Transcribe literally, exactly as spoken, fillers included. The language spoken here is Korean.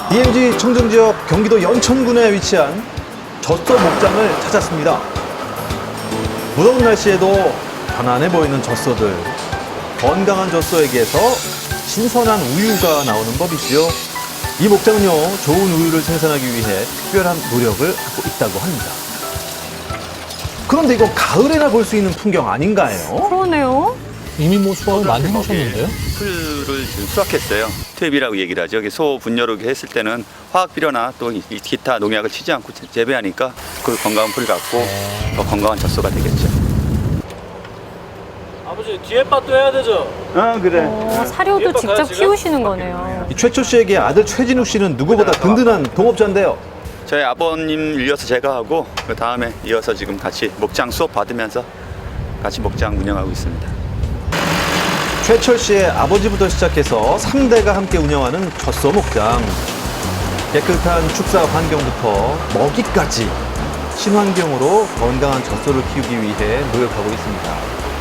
디엠지 청정지역 경기도 연천군에 위치한 젖소 목장을 찾았습니다. 무더운 날씨에도 편안해 보이는 젖소들. 건강한 젖소에게서 신선한 우유가 나오는 법이죠. 이 목장은요, 좋은 우유를 생산하기 위해 특별한 노력을 하고 있다고 합니다. 그런데 이거 가을에나 볼 수 있는 풍경 아닌가요? 그러네요. 이미 뭐 수확을 많이 해놓으셨는데요? 풀을 지금 수확했어요. 투입이라고 얘기를 하죠. 여기 소 분열을 했을 때는 화학 비료나 또 이 기타 농약을 치지 않고 재- 재배하니까 그 건강한 풀 갖고 더 건강한 젖소가 되겠죠. 아버지 뒤에 밭도 해야 되죠? 아 그래. 어, 사료도 직접 키우시는 거네요. 이 최초 씨에게 아들 최진욱 씨는 누구보다 든든한 동업자인데요. 저희 아버님 이어서 제가 하고 그 다음에 이어서 지금 같이 목장 수업 받으면서 같이 목장 운영하고 있습니다. 최철 씨의 아버지부터 시작해서 삼 대가 함께 운영하는 젖소 목장. 깨끗한 축사 환경부터 먹이까지 친환경으로 건강한 젖소를 키우기 위해 노력하고 있습니다.